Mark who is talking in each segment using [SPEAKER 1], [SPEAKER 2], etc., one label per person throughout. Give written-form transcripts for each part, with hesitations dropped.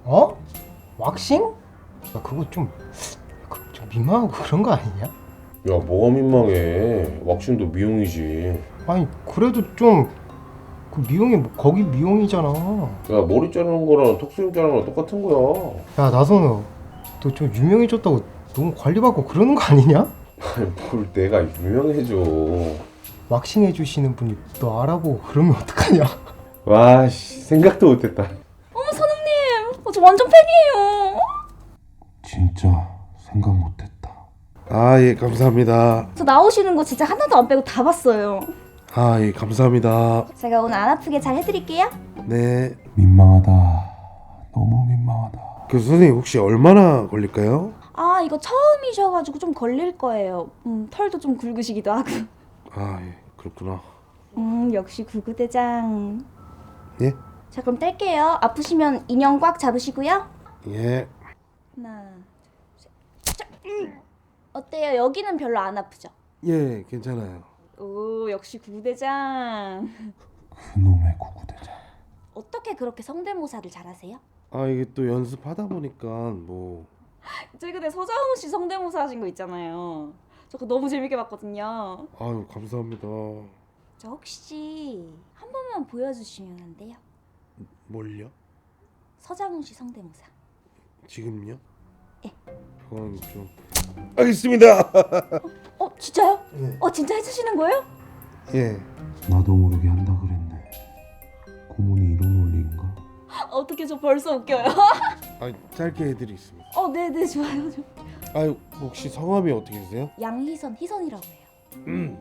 [SPEAKER 1] 어? 왁싱? 야, 그거 좀 민망하고 그런 거 아니냐?
[SPEAKER 2] 야, 뭐가 민망해. 왁싱도 미용이지.
[SPEAKER 1] 아니 그래도 좀 그 미용이 뭐 거기 미용이잖아.
[SPEAKER 2] 야, 머리 자르는 거랑 턱수염 자르는 거랑 똑같은 거야.
[SPEAKER 1] 야 나선우, 너 좀 유명해졌다고 너무 관리받고 그러는 거 아니냐?
[SPEAKER 2] 아니, 뭘 내가 유명해져.
[SPEAKER 1] 왁싱 해주시는 분이 너 알아보고 그러면 어떡하냐?
[SPEAKER 2] 와, 씨, 생각도 못했다.
[SPEAKER 3] 어머 선웅님, 저 완전 팬이에요.
[SPEAKER 2] 진짜 생각 못했다.
[SPEAKER 4] 아, 예, 감사합니다.
[SPEAKER 3] 저 나오시는 거 진짜 하나도 안 빼고 다 봤어요.
[SPEAKER 4] 아, 예, 감사합니다.
[SPEAKER 3] 제가 오늘 안 아프게 잘 해드릴게요.
[SPEAKER 4] 네.
[SPEAKER 2] 민망하다. 너무 민망하다.
[SPEAKER 4] 그 선생님 혹시 얼마나 걸릴까요?
[SPEAKER 3] 아 이거 처음이셔가지고 좀 걸릴 거예요. 털도 좀 굵으시기도 하고.
[SPEAKER 4] 아, 예, 그렇구나.
[SPEAKER 3] 역시 구구대장.
[SPEAKER 4] 예?
[SPEAKER 3] 자 그럼 뗄게요. 아프시면 인형 꽉 잡으시고요.
[SPEAKER 4] 예.
[SPEAKER 3] 하나, 둘, 셋. 자, 어때요? 여기는 별로 안 아프죠?
[SPEAKER 4] 예, 괜찮아요.
[SPEAKER 3] 오 역시 구구대장.
[SPEAKER 2] 그놈의 구구대장.
[SPEAKER 3] 어떻게 그렇게 성대모사를 잘하세요?
[SPEAKER 4] 아, 이게 또 연습하다 보니까 뭐
[SPEAKER 3] 최근에 서장훈 씨 성대모사 하신 거 있잖아요. 저 그거 너무 재밌게 봤거든요.
[SPEAKER 4] 아유, 감사합니다.
[SPEAKER 3] 저 혹시 한 번만 보여주시면 안 돼요?
[SPEAKER 4] 뭘요?
[SPEAKER 3] 서장훈 씨 성대모사.
[SPEAKER 4] 지금요?
[SPEAKER 3] 예.
[SPEAKER 4] 그건 좀 알겠습니다.
[SPEAKER 3] 진짜요?
[SPEAKER 4] 예.
[SPEAKER 3] 진짜 해주시는 거예요?
[SPEAKER 4] 예.
[SPEAKER 2] 나도 모르게 한다 그랬네. 고문이 이런 원리인가?
[SPEAKER 3] 어떻게 저 벌써 웃겨요?
[SPEAKER 4] 아, 짧게 해드리겠습니다.
[SPEAKER 3] 네네 좋아요.
[SPEAKER 4] 아유, 혹시 성함이 어떻게 되세요?
[SPEAKER 3] 양희선, 희선이라고 해요.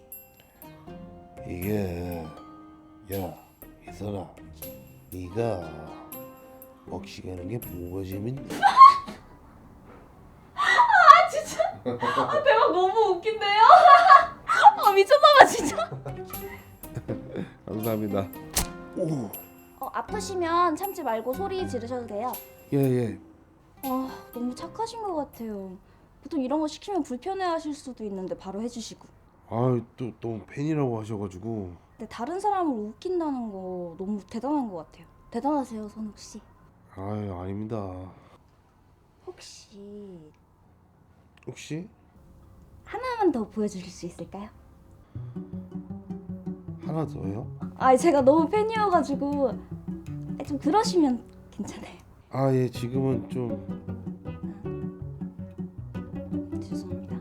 [SPEAKER 4] 이게 야, 이선아, 네가 먹시가는 게 뭐가 재밌냐?
[SPEAKER 3] 대박 너무 웃긴데요? 미쳤나봐 진짜.
[SPEAKER 4] 감사합니다. 오.
[SPEAKER 3] 아프시면 참지 말고 소리 지르셔도 돼요.
[SPEAKER 4] 예, 예.
[SPEAKER 3] 너무 착하신 것 같아요. 보통 이런 거 시키면 불편해하실 수도 있는데 바로 해주시고.
[SPEAKER 4] 아유, 또 너무 팬이라고 하셔가지고.
[SPEAKER 3] 근데 다른 사람을 웃긴다는 거 너무 대단한 것 같아요. 대단하세요, 선욱 씨.
[SPEAKER 4] 아유, 아닙니다.
[SPEAKER 3] 혹시
[SPEAKER 4] 혹시
[SPEAKER 3] 하나만 더 보여주실 수 있을까요?
[SPEAKER 4] 하나 더요?
[SPEAKER 3] 제가 너무 팬이어가지고 좀 그러시면 괜찮아요.
[SPEAKER 4] 아, 예, 지금은 좀
[SPEAKER 3] 죄송합니다.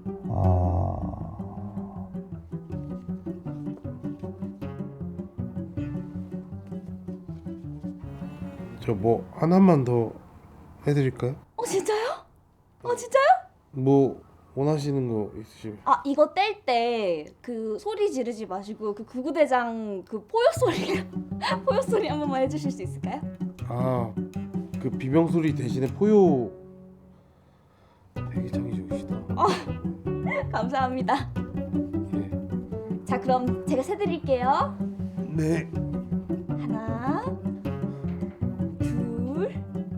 [SPEAKER 4] 저 뭐 하나만 더 해드릴까요?
[SPEAKER 3] 진짜요? 진짜요?
[SPEAKER 4] 뭐 원하시는 거 있으시면?
[SPEAKER 3] 이거 뗄 때 그 소리 지르지 마시고 그 구구대장 그 포효 소리 포효 소리 한 번만 해주실 수 있을까요?
[SPEAKER 4] 아, 그 비명 소리 대신에 포효. 되게 창이 좋으시다.
[SPEAKER 3] 감사합니다.
[SPEAKER 4] 예.
[SPEAKER 3] 자 그럼 제가 세드릴게요.
[SPEAKER 4] 네.
[SPEAKER 3] 하나, 둘.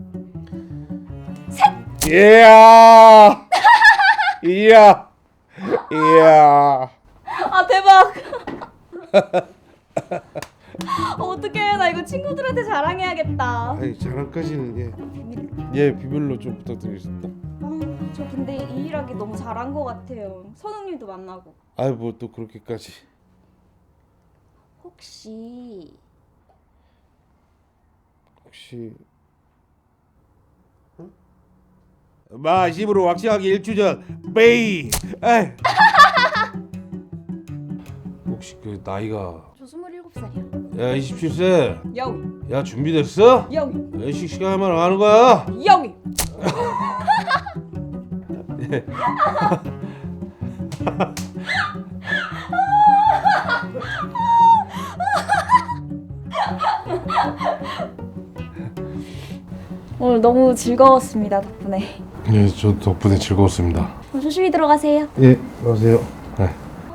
[SPEAKER 4] 이야. 이야. 이야.
[SPEAKER 3] 대박. 어떡해 나 이거 친구들한테 자랑해야겠다.
[SPEAKER 4] 아니, 자랑까지는 예, 비밀로 좀 부탁드리겠습니다.
[SPEAKER 3] 저 근데 이 일하기 너무 잘한 것 같아요. 선웅님도 만나고.
[SPEAKER 4] 아이, 뭐 또 그렇게까지.
[SPEAKER 3] 혹시
[SPEAKER 4] 마 10으로 왁싱하기 일주전 베이. 에이. 혹시 그 나이가
[SPEAKER 3] 저 27살이요.
[SPEAKER 4] 야 27세.
[SPEAKER 3] 영희
[SPEAKER 4] 야 준비됐어?
[SPEAKER 3] 영희
[SPEAKER 4] 야 씩씩하게만 가는 거야.
[SPEAKER 3] 영희. 오늘 너무 즐거웠습니다 덕분에.
[SPEAKER 4] 예, 저 덕분에 즐거웠습니다.
[SPEAKER 3] 조심히 들어가세요.
[SPEAKER 4] 예, 안녕하세요. 네.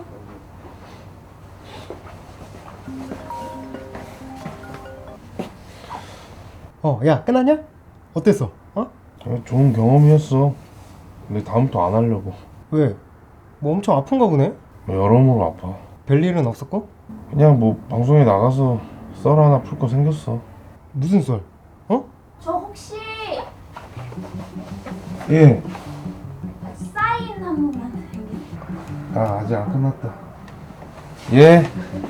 [SPEAKER 1] 야 끝났냐? 어땠어?
[SPEAKER 2] 좋은 경험이었어. 근데 다음부터 안 하려고.
[SPEAKER 1] 왜? 뭐 엄청 아픈가 보네?
[SPEAKER 2] 여러모로 아파.
[SPEAKER 1] 별일은 없었고?
[SPEAKER 2] 그냥 뭐 방송에 나가서 썰 하나 풀 거 생겼어.
[SPEAKER 1] 무슨 썰?
[SPEAKER 3] 저 혹시
[SPEAKER 4] 예.
[SPEAKER 3] 사인 한 번만.
[SPEAKER 4] 아 아직 안 끝났다. 예.